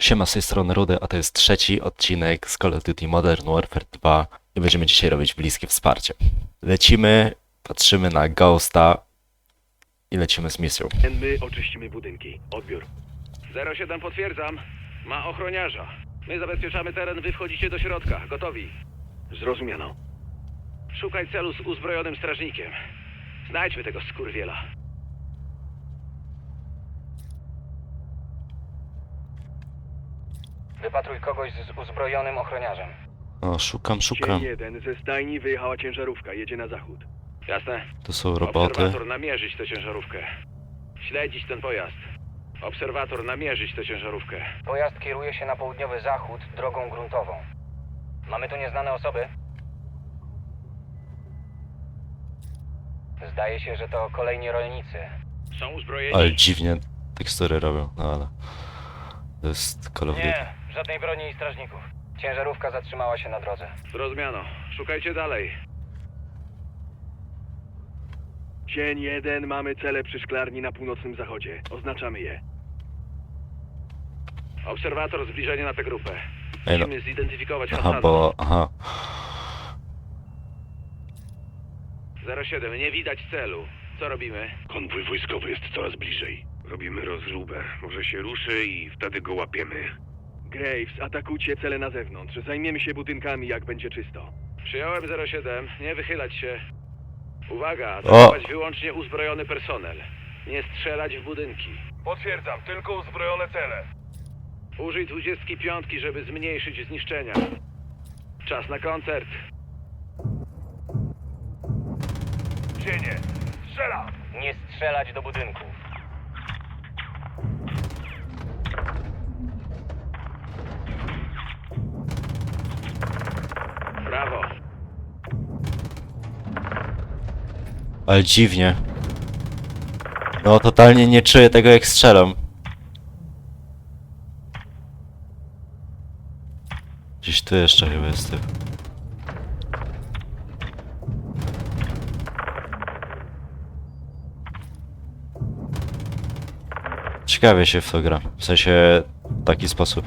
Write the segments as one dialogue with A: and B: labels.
A: Siema, z tej strony Rudy, a to jest trzeci odcinek z Call of Duty Modern Warfare 2 i będziemy dzisiaj robić bliskie wsparcie. Lecimy, patrzymy na Ghosta i lecimy z misją.
B: My oczyścimy budynki. Odbiór.
C: 07 potwierdzam. Ma ochroniarza. My zabezpieczamy teren, wy wchodzicie do środka. Gotowi.
B: Zrozumiano.
C: Szukaj celu z uzbrojonym strażnikiem. Znajdźmy tego skurwiela.
D: Wypatruj kogoś z uzbrojonym ochroniarzem.
A: O, szukam.
B: Dzień 1. Ze stajni wyjechała ciężarówka. Jedzie na zachód.
C: Jasne?
A: Tu są roboty.
C: Obserwator namierzyć tę ciężarówkę. Śledzić ten pojazd. Obserwator namierzyć tę ciężarówkę.
D: Pojazd kieruje się na południowy zachód drogą gruntową. Mamy tu nieznane osoby? Zdaje się, że to kolejni rolnicy.
C: Są uzbrojeni?
A: Ale dziwnie tekstury robią, no ale... To jest Call of Duty.
D: Nie, żadnej broni i strażników. Ciężarówka zatrzymała się na drodze.
C: Zrozumiano. Szukajcie dalej.
B: Dzień 1. Mamy cele przy szklarni na północnym zachodzie. Oznaczamy je.
C: Obserwator, zbliżenie na tę grupę.
A: Ej, no.
C: Musimy zidentyfikować
A: Aha,
C: Hassana.
A: bo... Aha.
C: 07, nie widać celu. Co robimy?
B: Konwój wojskowy jest coraz bliżej. Robimy rozróbę. Może się ruszy i wtedy go łapiemy. Graves, atakujcie cele na zewnątrz. Zajmiemy się budynkami, jak będzie czysto.
C: Przyjąłem 07, nie wychylać się. Uwaga,
A: O!
C: atakować wyłącznie uzbrojony personel. Nie strzelać w budynki.
E: Potwierdzam, tylko uzbrojone cele.
C: Użyj 25, żeby zmniejszyć zniszczenia. Czas na koncert.
E: Cienie. Strzela!
D: Nie strzelać do budynków.
C: Brawo.
A: Ale dziwnie. No, totalnie nie czuję tego, jak strzelam. Gdzieś tu jeszcze chyba jest typ. Ciekawie się w to gra. W sensie... w taki sposób.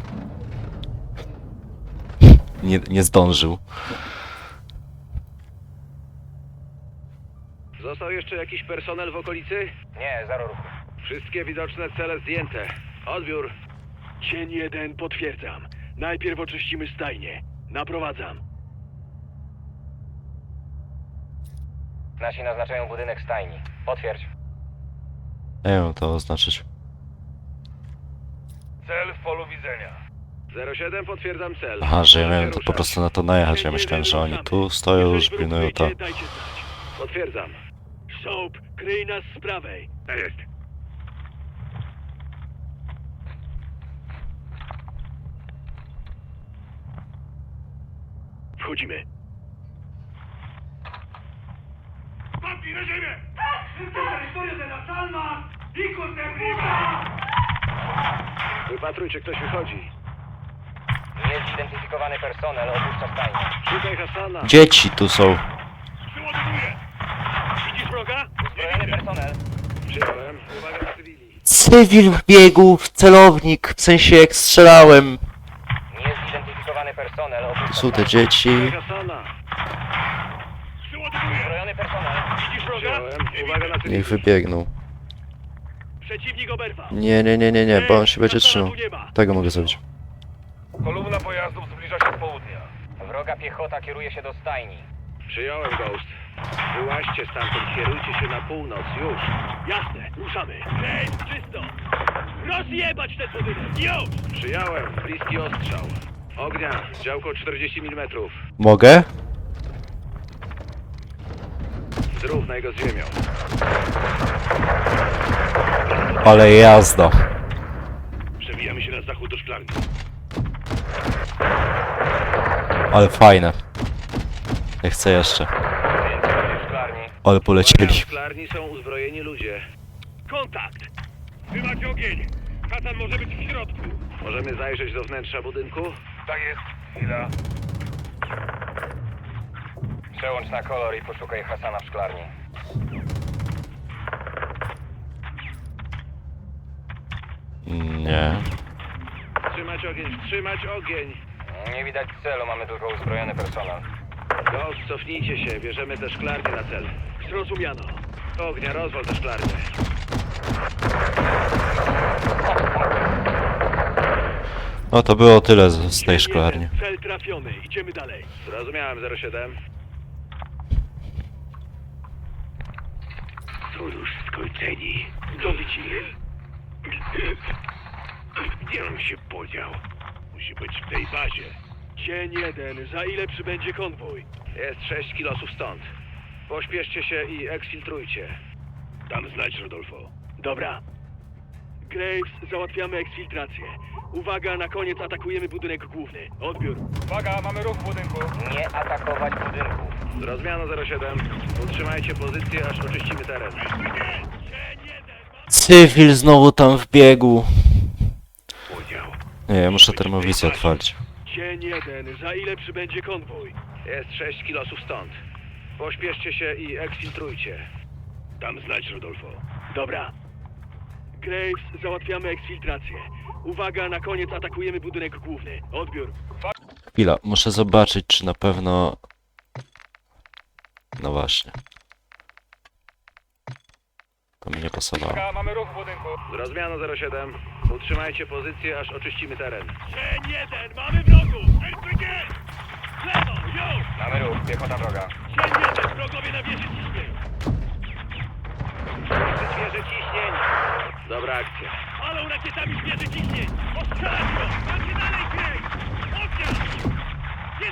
A: Nie zdążył.
C: Został jeszcze jakiś personel w okolicy?
D: Nie, zero ruchu.
C: Wszystkie widoczne cele zdjęte. Odbiór.
B: Dzień 1. Potwierdzam. Najpierw oczyścimy stajnię. Naprowadzam.
D: Nasi naznaczają budynek stajni. Potwierdź.
A: Nie wiem to oznaczyć.
E: Cel w polu widzenia.
C: 07, potwierdzam cel.
A: Aha, że ja
C: Proszę
A: miałem to po
C: ruszać.
A: prostu na to najechać. Ja
B: Dzień
A: myślałem,
B: 1.
A: że oni
B: ruszamy.
A: tu stoją, już
B: Jeżeli wróg
A: pilnują to.
B: wyjdzie, dajcie znać.
C: Potwierdzam.
B: Soap, kryj nas z prawej.
C: Tak jest.
B: Wchodzimy.
E: Padnij na ziemię!
C: Wypatrujcie, ktoś wychodzi.
D: Niezidentyfikowany personel opuszcza stajnię.
C: Szukaj Hassana.
A: Dzieci tu są.
E: Przyładowuję!
B: Widzisz wroga?
D: Uzbrojony personel.
C: Przyjąłem. Uwaga na cywili.
A: Cywil wbiegł w celownik, w sensie jak strzelałem.
D: Niezidentyfikowany personel opuszcza
A: Tu są te
D: stajnię.
A: dzieci.
C: Szukaj Hassana.
E: Przyładowuję!
D: Uzbrojony personel.
B: Widzisz wroga?
C: Przyjąłem. Uwaga na cywili.
A: Niech wybiegną.
B: Przeciwnik oberwał.
A: Nie, bo on się będzie
B: Hassana
A: trzymał.
B: tu nie ma.
A: Tego mogę zrobić.
E: Kolumna pojazdów zbliża się z południa.
D: Wroga piechota kieruje się do stajni.
C: Przyjąłem, Ghost. Wyłaźcie stamtąd, kierujcie się na północ. Już.
B: Jasne, ruszamy. Graves, czysto. Rozjebać ten budynek. Już!
C: Przyjąłem. Bliski ostrzał. Ognia. Działko 40 mm.
A: Mogę?
C: Zrównaj go z ziemią.
A: Ale jazda.
B: Przewijamy się na zachód do szklarni.
A: Ale fajne. Ja chcę jeszcze.
D: Więcej w szklarni.
A: Ale polecieli.
C: W szklarni są uzbrojeni ludzie.
B: Kontakt! Trzymać ogień! Hasan może być w środku.
C: Możemy zajrzeć do wnętrza budynku?
E: Tak jest. Chwila.
D: Przełącz na kolor i poszukaj Hassana w szklarni.
A: Nie.
C: Wstrzymać ogień, wstrzymać ogień!
D: Nie widać celu, mamy tylko uzbrojony personel.
C: Ghost, cofnijcie się, bierzemy te szklarnie na cel.
B: Zrozumiano.
C: Ognia, rozwal te szklarnie.
A: No to było tyle z tej szklarni.
B: Cel trafiony. Idziemy dalej.
C: Zrozumiałem, 07.
B: Są już skończeni. Dobić ich. Gdzie on się podział? Musi być w tej bazie. Cień 1. Za ile przybędzie konwój?
C: Jest 6 kilosów stąd. Pośpieszcie się i eksfiltrujcie.
B: Dam znać, Rodolfo. Dobra. Graves, załatwiamy eksfiltrację. Uwaga, na koniec atakujemy budynek główny. Odbiór.
E: Uwaga, mamy ruch w budynku.
D: Nie atakować budynków.
C: Zrozumiano, 07. Utrzymajcie pozycję, aż oczyścimy teren.
A: Cywil znowu tam wbiegł.
B: Podział.
A: Nie, ja muszę termowizję otworzyć.
B: Cień 1. Za ile przybędzie konwój?
C: Jest 6 kilosów stąd. Pośpieszcie się i eksfiltrujcie.
B: Dam znać, Rodolfo. Dobra. Graves, załatwiamy eksfiltrację. Uwaga, na koniec atakujemy budynek główny. Odbiór.
A: Chwila, muszę zobaczyć, czy na pewno... No właśnie. To mi nie pasowało.
E: Uwaga, mamy ruch w budynku.
C: Zrozumiano, 07. Utrzymajcie pozycję, aż oczyścimy teren.
B: Cień 1. Mamy wrogów! RPG! Lewo, już!
D: Mamy ruch, piechota droga.
B: Cień 1. Wrogowie na wieży ciśnień.
C: Świeże ciśnień. Dobra akcja.
B: Palą rakietami wieży ciśnień. Ostrzelać go! Macie dalej, Graves! Ognia! Jest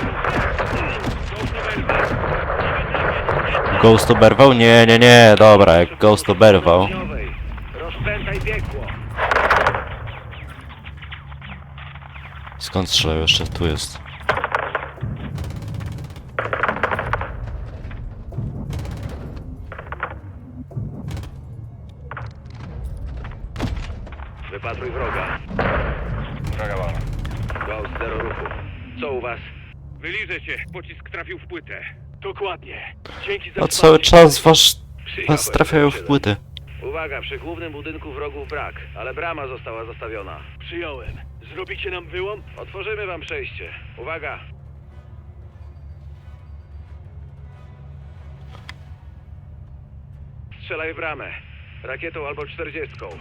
B: przeciwko!
A: Ghost oberwał? Nie, nie, nie, dobra, jak Ghost oberwał.
C: Rozpętaj piekło.
A: Skąd strzelał? Jeszcze tu jest.
C: Wypatruj wroga.
D: Droga wolna.
C: Ghost, 0 ruchu. Co u was?
B: Wyliżę się. Pocisk trafił w płytę. Dokładnie. Dzięki za
A: A cały czas was
C: Przyjąłem,
A: trafiają w
C: 07.
A: płyty.
C: Uwaga, przy głównym budynku wrogów brak, ale brama została zastawiona.
B: Przyjąłem. Zrobicie nam wyłom?
C: Otworzymy wam przejście. Uwaga! Strzelaj w bramę. Rakietą albo 40. Bum.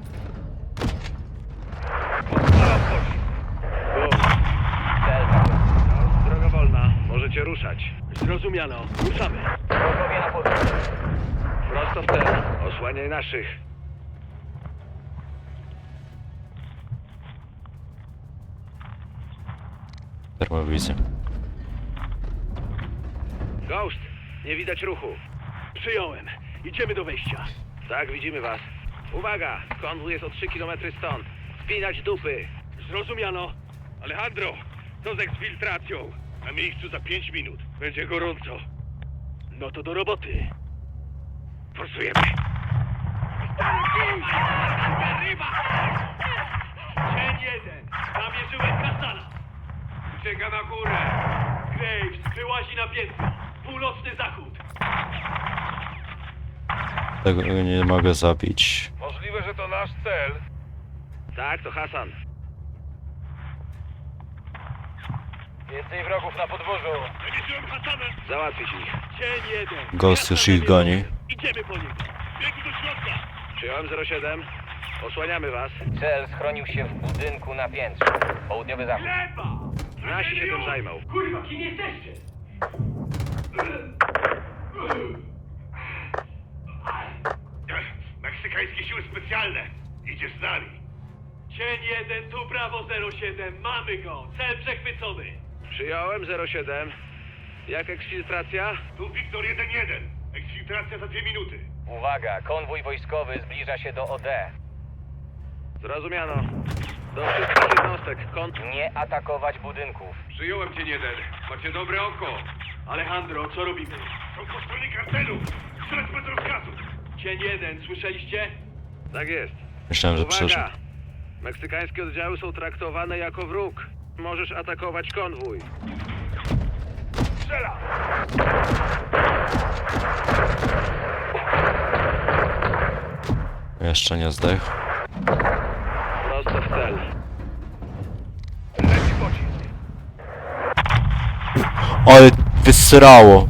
D: Cel trafiony.
C: Droga wolna. Możecie ruszać.
B: Zrozumiano. Ruszamy.
D: Wrogowie na pozycji.
C: Prosto w cel. Osłaniaj naszych.
A: Termowizję.
C: Ghost! Nie widać ruchu.
B: Przyjąłem. Idziemy do wejścia.
C: Tak, widzimy was. Uwaga! Konwój jest o 3 km stąd. Spinać dupy.
B: Zrozumiano. Alejandro, co z eksfiltracją? Na miejscu za 5 minut. Będzie gorąco. No to do roboty. Forsujemy. Cień 1. Namierzyłem Kastana. Ucieka na górę. Graves wyłazi na piętro. Północny zachód.
A: Tego nie mogę zabić.
E: Możliwe, że to nasz cel.
C: Tak, to Hasan.
D: Więcej wrogów na podwórzu.
B: Namierzyłem Hasana.
C: Załatwić ich.
B: Cień 1.
A: Ghost już ich goni.
B: Idziemy po niego. Biegu do środka.
C: Przyjąłem 07. Osłaniamy was.
D: Cel schronił się w budynku na piętrze. Południowy zachód.
B: Lewa!
C: Nasi się tym zajmą.
B: Kurwa, kim jesteście?
E: Meksykańskie siły specjalne. Idziesz z nami.
B: Cień 1, tu Brawo 07. Mamy go. Cel przechwycony.
C: Przyjąłem 07. Jak eksfiltracja?
E: Tu Wiktor 1-1. Eksfiltracja za 2 minuty.
D: Uwaga, konwój wojskowy zbliża się do OD.
C: Zrozumiano. Do wszystkich jednostek.
D: Nie atakować budynków.
B: Przyjąłem cień 1. Macie dobre oko. Alejandro, co robimy?
E: Są po stronie kartelu. Strzelać bez rozkazu.
B: Cień 1, słyszeliście?
C: Tak jest.
A: Myślałem, że przeżył.
C: Uwaga! Meksykańskie oddziały są traktowane jako wróg. Możesz atakować konwój.
E: Strzela!
A: Jeszcze nie zdechł.
C: Prosto w cel.
A: Ale wysrało.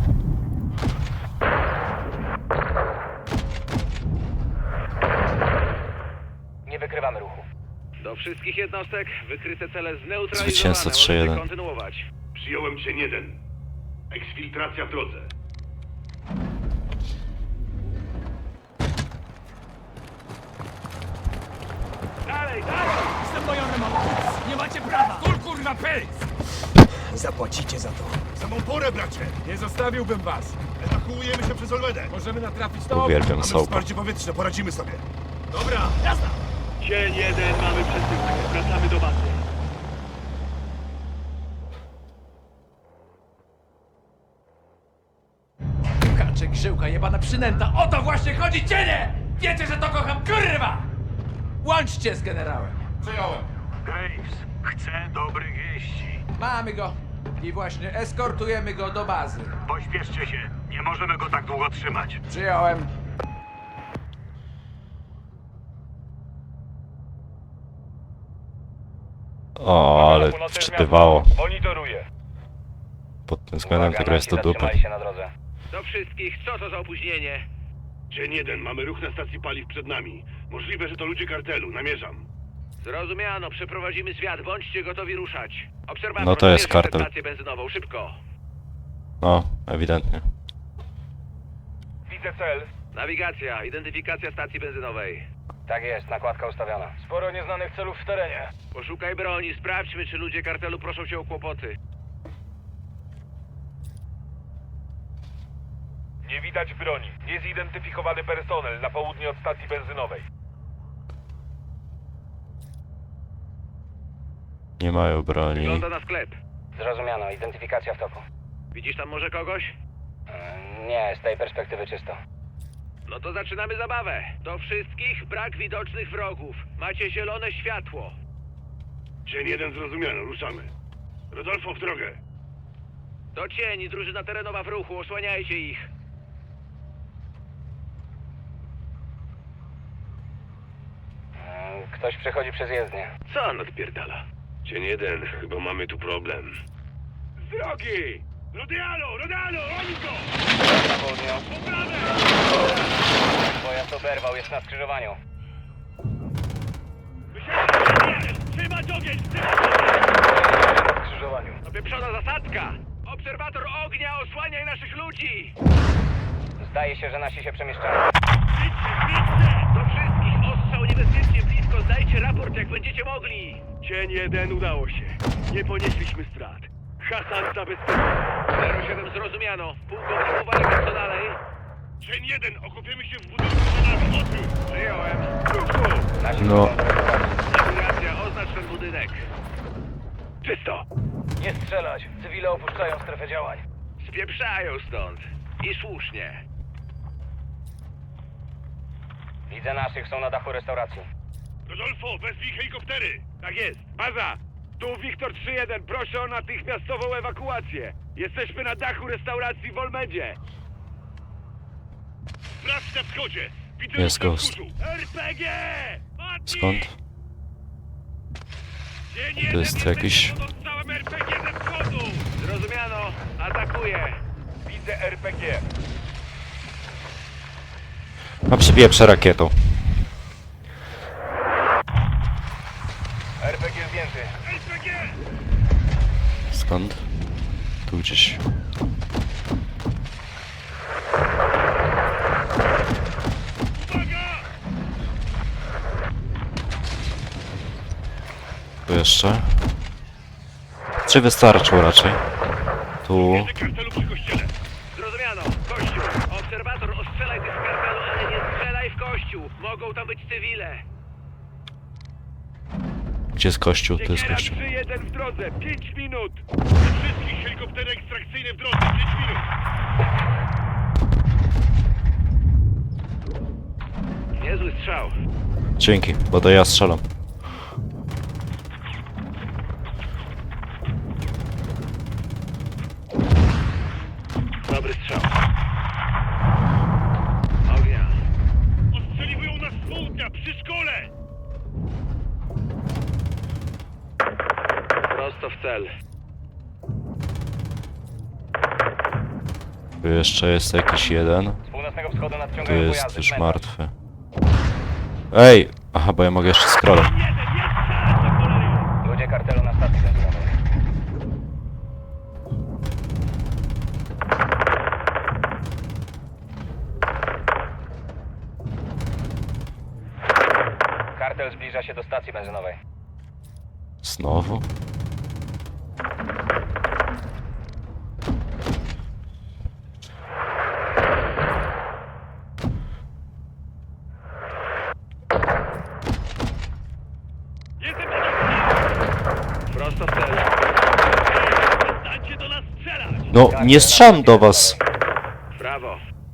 D: Nie wykrywamy ruchu.
C: Do wszystkich jednostek wykryte cele zneutralizowane.
A: Zwycięzca
C: Możecie
A: 3-1.
C: kontynuować.
E: Przyjąłem Dzień 1. Eksfiltracja w drodze.
C: Dalej, dalej!
F: Jestem bojowym Nie macie prawa! Kul kurwa pysk! Zapłacicie za to.
E: Samą porę, bracie!
F: Nie zostawiłbym was.
E: Ewakuujemy się przez Olmedę.
F: Możemy natrafić na
A: Uwielbiam
E: Mamy
A: sołpa.
E: wsparcie powietrzne, poradzimy sobie.
F: Dobra, jazda!
B: Dzień 1, mamy przesyłkę. Wracamy do bazy.
F: Kaczek, żyłka, jebana przynęta. O to właśnie chodzi, cienie! Wiecie, że to kocham, kurwa! Łączcie z generałem.
E: Przyjąłem.
G: Graves, chcę dobrych wieści.
F: Mamy go. I właśnie eskortujemy go do bazy.
G: Pośpieszcie się, nie możemy go tak długo trzymać.
F: Przyjąłem.
A: O, ale wczytywało.
G: Monitoruję.
A: Pod tym względem ta
D: Uwaga,
A: gra jest do
D: nasi
A: dupy.
D: zatrzymali się na drodze.
C: Do wszystkich, co to za opóźnienie?
E: Dzień 1, mamy ruch na stacji paliw przed nami. Możliwe, że to ludzie kartelu, namierzam.
C: Zrozumiano, przeprowadzimy zwiat, bądźcie gotowi ruszać. Obserwator,
A: No to jest
C: zmierzy
A: kartel.
C: stację benzynową, szybko.
A: No, ewidentnie.
G: Widzę cel.
C: Nawigacja, identyfikacja stacji benzynowej.
D: Tak jest, nakładka ustawiona.
G: Sporo nieznanych celów w terenie.
C: Poszukaj broni, sprawdźmy, czy ludzie kartelu proszą cię o kłopoty.
G: Nie widać broni. Niezidentyfikowany personel na południe od stacji benzynowej.
A: Nie mają broni.
C: Wygląda na sklep.
D: Zrozumiano, identyfikacja w toku.
C: Widzisz tam może kogoś?
D: Nie, z tej perspektywy czysto.
C: No to zaczynamy zabawę. Do wszystkich brak widocznych wrogów. Macie zielone światło.
E: Dzień 1 zrozumiano, ruszamy. Rodolfo, w drogę.
C: To cień, drużyna terenowa w ruchu, osłaniajcie ich.
D: Ktoś przechodzi przez jezdnię.
B: Co on odpierdala? Dzień 1, chyba mamy tu problem.
E: Z drogi! Rodialo, Rodialo, oni go!
D: Na południu. Pojazd oberwał, jest na skrzyżowaniu.
E: Trzymać ogień!
D: Na skrzyżowaniu.
C: Opieprzona zasadzka! Obserwator ognia, osłaniaj naszych ludzi!
D: Zdaje się, że nasi się przemieszczają.
C: Do wszystkich, ostrzał niebezpiecznie blisko, zdajcie raport jak będziecie mogli!
B: Dzień 1, udało się. Nie ponieśliśmy strat. Hasan zabezpieczył.
C: 07 zrozumiano. Pułkownik uwaga, co dalej?
E: Dzień 1, okupiemy się w budynku przed nami, odbiór!
C: Przyjąłem.
D: Nasi
A: No.
D: są zareagowani.
C: Nawigacja, oznacz ten budynek.
B: Czysto.
D: Nie strzelać! Cywile opuszczają strefę działań.
C: Spieprzają stąd. I słusznie.
D: Widzę naszych, są na dachu restauracji.
E: Rodolfo, wezwij helikoptery!
B: Tak jest. Baza. Tu Wiktor 3-1. Proszę o natychmiastową ewakuację. Jesteśmy na dachu restauracji w Olmedzie.
E: Sprawdź na wschodzie! Widzę
A: Jest
E: ruch na
A: Ghost.
E: wzgórzu.
B: RPG! Padnij!
A: Skąd?
E: Dzień
A: To
E: 1,
A: jest jakiś...
E: pod odstrzałem RPG ze wschodu!
C: Zrozumiano. Atakuję.
G: Widzę RPG.
A: A przepieprze rakietą.
G: RPG zdjęty.
E: RPG!
A: Skąd? Tu gdzieś.
E: Uwaga!
A: Tu jeszcze. Czy wystarczył raczej? Tu.
E: Jedzie kartelu przy kościele.
C: Zrozumiano. Kościół. Obserwator, ostrzelaj tych z kartelu, ale nie strzelaj w kościół. Mogą tam być cywile.
A: Gdzie jest kościół? To jest
B: Siekiera
A: kościół.
B: 3-1 w drodze. 5 minut.
E: Do wszystkich helikoptery ekstrakcyjne w drodze, 5 minut!
C: Niezły strzał.
A: Dzięki, bo to ja strzelam.
C: Dobry strzał. Ognia.
E: Ostrzeliwują nas z południa, przy szkole!
C: Prosto w cel.
A: Tu jeszcze jest jakiś jeden.
D: Z północnego wschodu
A: Tu
D: nadciągają
A: jest
D: pojazdy.
A: już
D: cmentarz.
A: martwy. Ej! Aha, bo ja mogę jeszcze scrollem.
D: Ludzie kartelu na stacji benzynowej. Kartel zbliża się do stacji benzynowej.
A: Znowu?
B: Prosto w cel. Przestańcie do nas strzelać!
A: No, nie strzelam do was.
B: Brawo.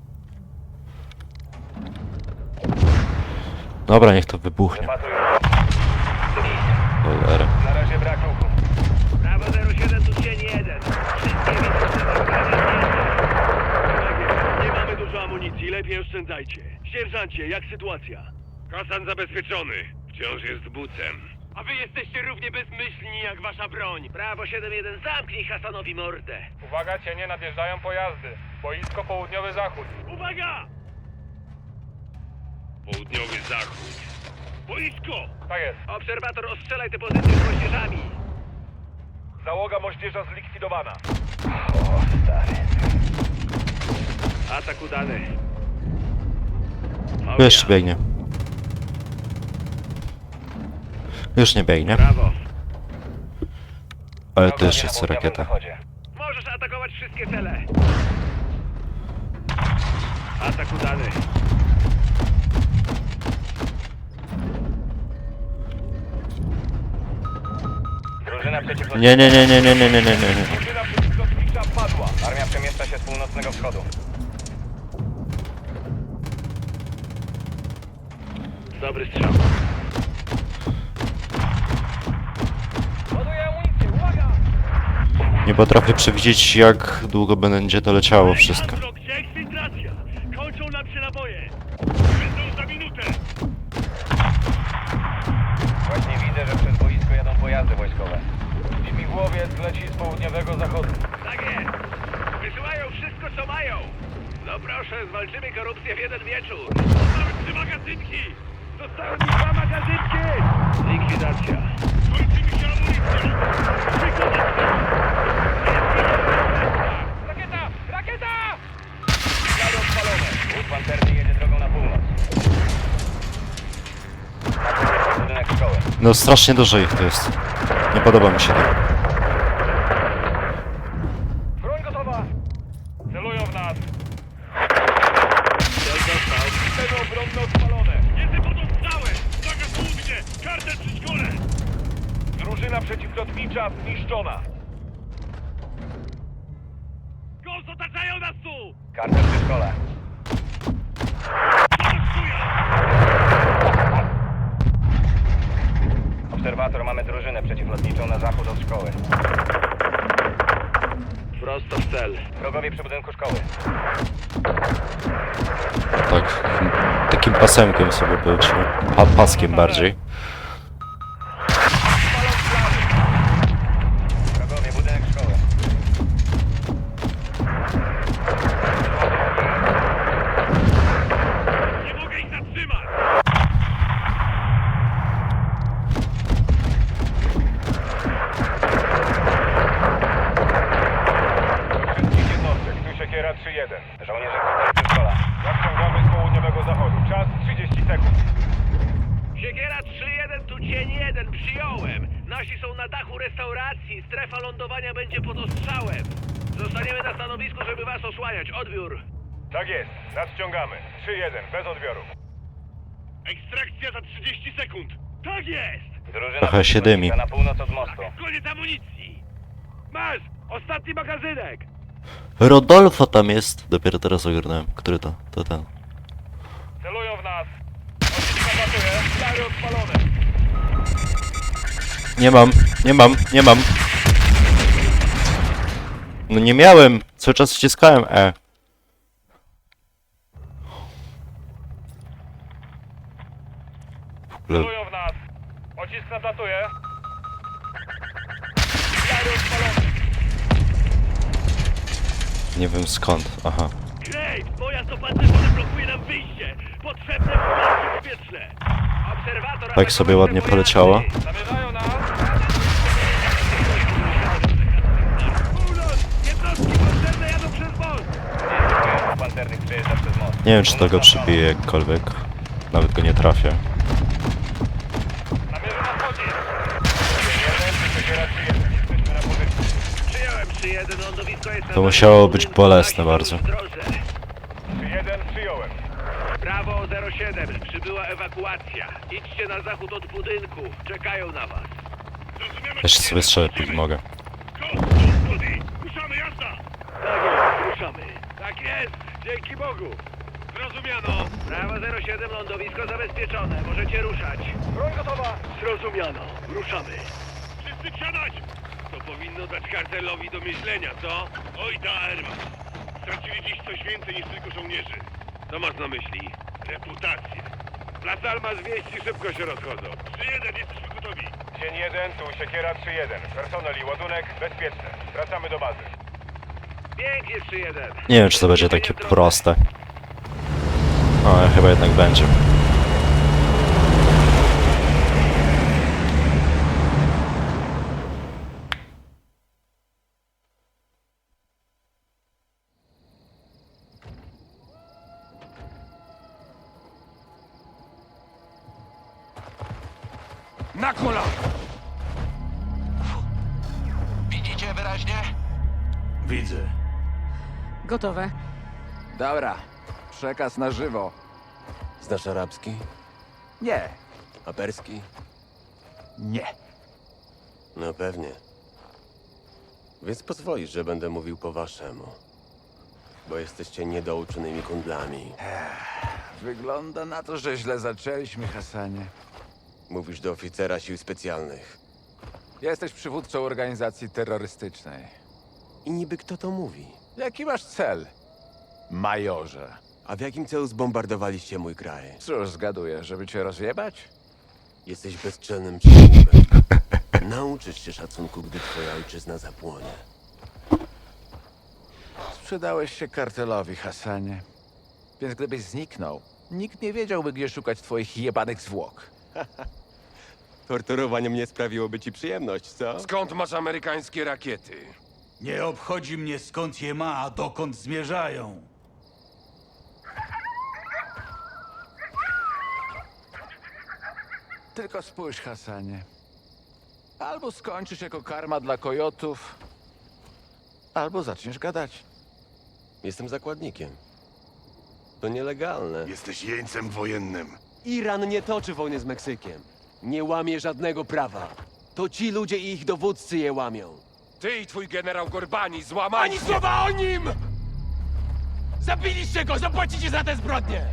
A: Dobra, niech to wybuchnie.
D: Wypatrują.
A: Cholera.
D: Na razie brak ruchu.
C: Prawo 07, tu cień 1. Wszystkie
B: Nie mamy dużo amunicji, lepiej oszczędzajcie. Sierżancie, jak sytuacja? Hasan zabezpieczony. Wciąż jest bucem. A wy jesteście równie bezmyślni jak wasza broń.
C: Prawo 7-1, zamknij Hasanowi mordę.
G: Uwaga, cienie, nadjeżdżają pojazdy. Boisko południowy zachód.
B: Uwaga! Południowy zachód. Boisko!
G: Tak jest.
C: Obserwator, ostrzelaj te pozycje z moździerzami.
G: Załoga moździerza zlikwidowana.
D: O, stary.
B: Atak udany.
A: Jeszcze biegnie. Już nie biegnie.
B: Brawo.
A: Ale tu
D: Wrogowie
A: jeszcze
D: na
A: jest
D: południowym
A: rakieta.
D: zachodzie.
C: Możesz atakować wszystkie cele.
B: Atak udany.
D: Drużyna przeciwlotnicza.
A: Nie.
G: Drużyna przeciwlotnicza padła.
D: Armia przemieszcza się z północnego wschodu.
B: Dobry strzał.
D: Ładuję amunicję, uwaga!
A: Nie potrafię przewidzieć, jak długo będzie to leciało wszystko.
B: Gdzie eksfiltracja? Kończą nam się naboje. Będą za minutę.
D: Właśnie widzę, że przez boisko jadą pojazdy wojskowe. Śmigłowiec leci z południowego zachodu.
C: Tak jest. Wysyłają wszystko, co mają. No proszę, zwalczymy korupcję w jeden wieczór.
B: Zostały 3 magazynki. Zostały mi 2 magazynki.
C: Likwidacja.
B: Kończy mi się amunicja.
G: Rakieta! Rakieta!
D: Ślady odpalone. Wóz pancerny jedzie drogą na północ. Na budynek szkoły.
A: No strasznie dużo ich tu jest. Nie podoba mi się to.
G: Broń gotowa! Celują w nas.
B: Cel dostał.
G: Cele obronne odpalone.
B: Jestem pod ostrzałem. Uwaga południe. Kartel przy szkole.
G: Drużyna przeciwlotnicza zniszczona.
B: Ghost, otaczają nas tu.
D: Kartel przy szkole. Obserwator, mamy drużynę przeciwlotniczą na zachód od szkoły.
B: Prosto w cel.
D: Wrogowie przy budynku szkoły.
A: Tak, takim pasemkiem sobie polecimy. Paskiem bardziej.
D: Wrogowie, budynek szkoły.
B: Nie mogę ich zatrzymać.
G: Do wszystkich jednostek. Tu Siekiera 3-1.
D: Żołnierze kartel przy szkole.
G: Nadciągamy z południowego zachodu. Czas 30 sekund.
C: Siekiera 3-1, tu cień 1, przyjąłem. Nasi są na dachu restauracji, strefa lądowania będzie pod ostrzałem. Zostaniemy na stanowisku, żeby was osłaniać. Odbiór.
G: Tak jest. Nadciągamy. 3-1. Bez odbioru.
B: Ekstrakcja za 30 sekund. Tak jest.
D: Drużyna
A: Trochę się dymi.
D: przeciwlotnicza na północ od mostu.
B: Koniec amunicji. Masz. Ostatni magazynek.
A: Rodolfo tam jest. Dopiero teraz ogarnąłem. Który to? To ten.
G: Celują w nas. Odcisk atakuje. Stary odpalone.
A: Nie mam. No nie miałem. Cały czas wciskałem E. W ogóle
G: Celują w nas. Pocisk nadlatuje. Stary odpalony.
A: Nie wiem skąd, aha.
B: Graves, pojazd opancerzony blokuje nam wyjście! Potrzebne wsparcie powietrzne!
C: Obserwator
A: Tak sobie ładnie poleciało.
D: Zamierzają nas!
B: Północ! Jednostki potrzebne jadą przez most!
D: Nie, pancernych przejeżdża przez most.
A: Nie wiem, czy to go przybije jakkolwiek. Nawet go nie trafię.
D: Namierzę na wchodzie! 1, Siekiera 3-1. Jesteśmy na pozycji.
C: Przyjąłem 3-1, lądowisko jest na
A: To musiało być
C: budynku,
A: bolesne
C: nasi
A: bardzo.
C: są w drodze.
D: 3-1, przyjąłem.
C: Brawo 07, przybyła ewakuacja. Idźcie na zachód od budynku, czekają na was.
E: Zrozumiemy.
A: Jeszcze sobie strzelać mogę.
E: Cody, ruszamy, jazda!
B: Tak jest, ruszamy. Tak jest! Dzięki Bogu!
E: Zrozumiano.
C: Brawo 07, lądowisko zabezpieczone, możecie ruszać.
D: Broń gotowa!
B: Zrozumiano. Ruszamy.
E: Wszyscy wsiadać!
B: To powinno dać kartelowi do myślenia, co?
E: Oj da, Herman. Stracili dziś coś więcej niż tylko żołnierzy.
B: Co masz na myśli?
E: Reputację.
B: Las Almas wieści szybko się rozchodzą.
E: 3-1, jesteśmy gotowi.
D: Dzień 1, tu Siekiera 3-1. Personel i ładunek bezpieczne. Wracamy do bazy.
C: Pięknie 3-1.
A: Nie wiem, czy to będzie takie proste. Ale chyba jednak będzie.
F: Na kola!
C: Widzicie wyraźnie?
F: Widzę.
H: Gotowe.
F: Dobra. Przekaz na żywo.
I: Znasz arabski?
F: Nie.
I: A perski?
F: Nie.
I: No pewnie. Więc pozwolisz, że będę mówił po waszemu. Bo jesteście niedouczonymi kundlami.
F: Wygląda na to, że źle zaczęliśmy, Hassanie.
I: Mówisz do oficera sił specjalnych.
F: Jesteś przywódcą organizacji terrorystycznej.
I: I niby kto to mówi?
F: Jaki masz cel, majorze?
I: A w jakim celu zbombardowaliście mój kraj?
F: Cóż, zgaduję, żeby cię rozjebać?
I: Jesteś bezczelnym przywódcem. Nauczysz się szacunku, gdy twoja ojczyzna zapłonie.
F: Sprzedałeś się kartelowi, Hassanie. Więc gdybyś zniknął, nikt nie wiedziałby, gdzie szukać twoich jebanych zwłok.
I: Torturowanie mnie sprawiłoby ci przyjemność, co?
G: Skąd masz amerykańskie rakiety?
J: Nie obchodzi mnie skąd je ma, a dokąd zmierzają.
F: Tylko spójrz, Hassanie. Albo skończysz jako karma dla kojotów, albo zaczniesz gadać.
I: Jestem zakładnikiem. To nielegalne.
E: Jesteś jeńcem wojennym.
I: Iran nie toczy wojny z Meksykiem. Nie łamie żadnego prawa. To ci ludzie i ich dowódcy je łamią.
G: Ty i twój generał Gorbani złamali
C: Ani
G: się.
C: słowa o nim! Zabiliście go, zapłacicie za te zbrodnie!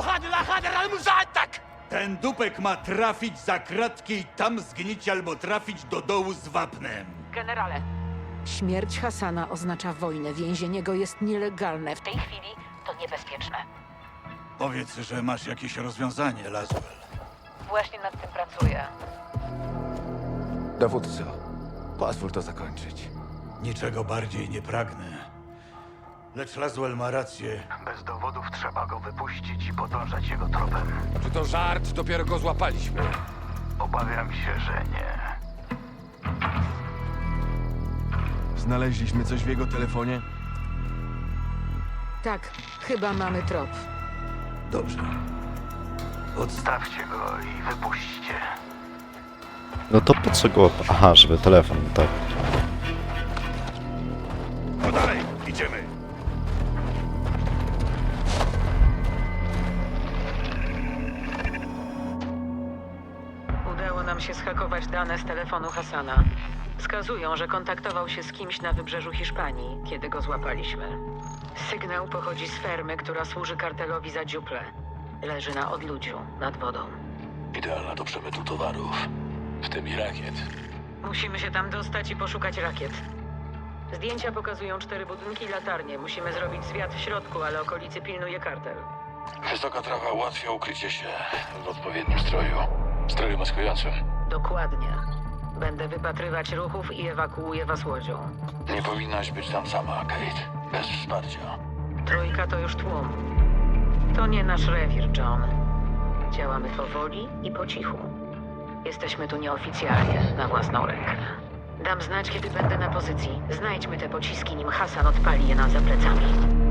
C: Tak!
J: Ten dupek ma trafić za kratki i tam zgnić albo trafić do dołu z wapnem.
H: Generale. Śmierć Hassana oznacza wojnę. Więzienie go jest nielegalne. W tej chwili to niebezpieczne.
J: Powiedz, że masz jakieś rozwiązanie, Laswell.
H: Właśnie nad tym pracuję.
F: Dowódco, pozwól to zakończyć.
J: Niczego bardziej nie pragnę. Lecz Laswell ma rację.
C: Bez dowodów trzeba go wypuścić i podążać jego tropem.
G: Czy to żart? Dopiero go złapaliśmy.
C: Obawiam się, że nie.
I: Znaleźliśmy coś w jego telefonie?
H: Tak, chyba mamy trop.
J: Dobrze.
C: Odstawcie go i wypuśćcie.
A: No to po co go... Aha, żeby telefon, tak.
E: No dalej, idziemy.
H: Udało nam się zhakować dane z telefonu Hassana. Wskazują, że kontaktował się z kimś na wybrzeżu Hiszpanii, kiedy go złapaliśmy. Sygnał pochodzi z fermy, która służy kartelowi za dziuplę. Leży na odludziu, nad wodą.
J: Idealna do przemytu towarów, w tym i rakiet.
H: Musimy się tam dostać i poszukać rakiet. Zdjęcia pokazują 4 budynki i latarnie. Musimy zrobić zwiat w środku, ale okolicy pilnuje kartel.
J: Wysoka trawa ułatwia ukrycie się w odpowiednim stroju. Stroju maskującym.
H: Dokładnie. Będę wypatrywać ruchów i ewakuuję was łodzią.
J: Nie powinnaś być tam sama, Kate. Bez wsparcia.
H: Trójka to już tłum. To nie nasz rewir, John. Działamy powoli i po cichu. Jesteśmy tu nieoficjalnie, na własną rękę. Dam znać, kiedy będę na pozycji. Znajdźmy te pociski, nim Hasan odpali je nam za plecami.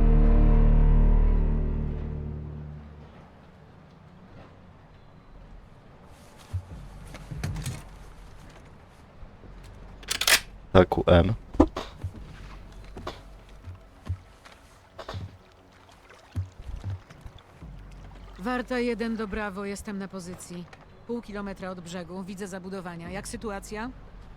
A: Tak, UM.
K: Warta 1 do Brawo, jestem na pozycji. Pół kilometra od brzegu, widzę zabudowania. Jak sytuacja?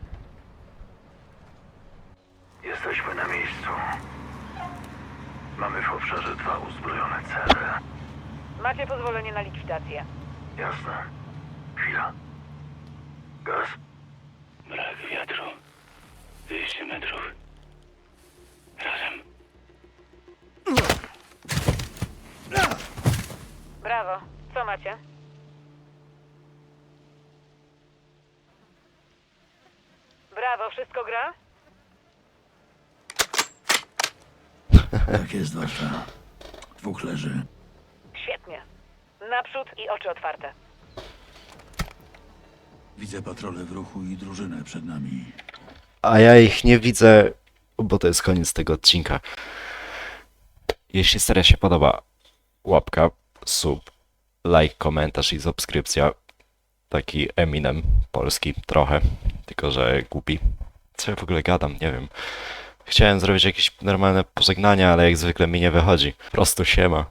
E: Jesteśmy na miejscu. Mamy w obszarze 2 uzbrojone cele.
H: Macie pozwolenie na likwidację.
E: Jasne. Chwila. Gaz? Brak wiatru. 200 metrów. Razem.
H: Brawo, co macie? Brawo, wszystko gra?
J: Tak jest, Warsza. 2 leży.
H: Świetnie. Naprzód i oczy otwarte.
J: Widzę patrole w ruchu i drużynę przed nami.
A: A ja ich nie widzę, bo to jest koniec tego odcinka. Jeśli seria się podoba, łapka, sub, like, komentarz i subskrypcja. Taki Eminem polski trochę, tylko że głupi. Co ja w ogóle gadam, nie wiem. Chciałem zrobić jakieś normalne pożegnania, ale jak zwykle mi nie wychodzi. Po prostu siema.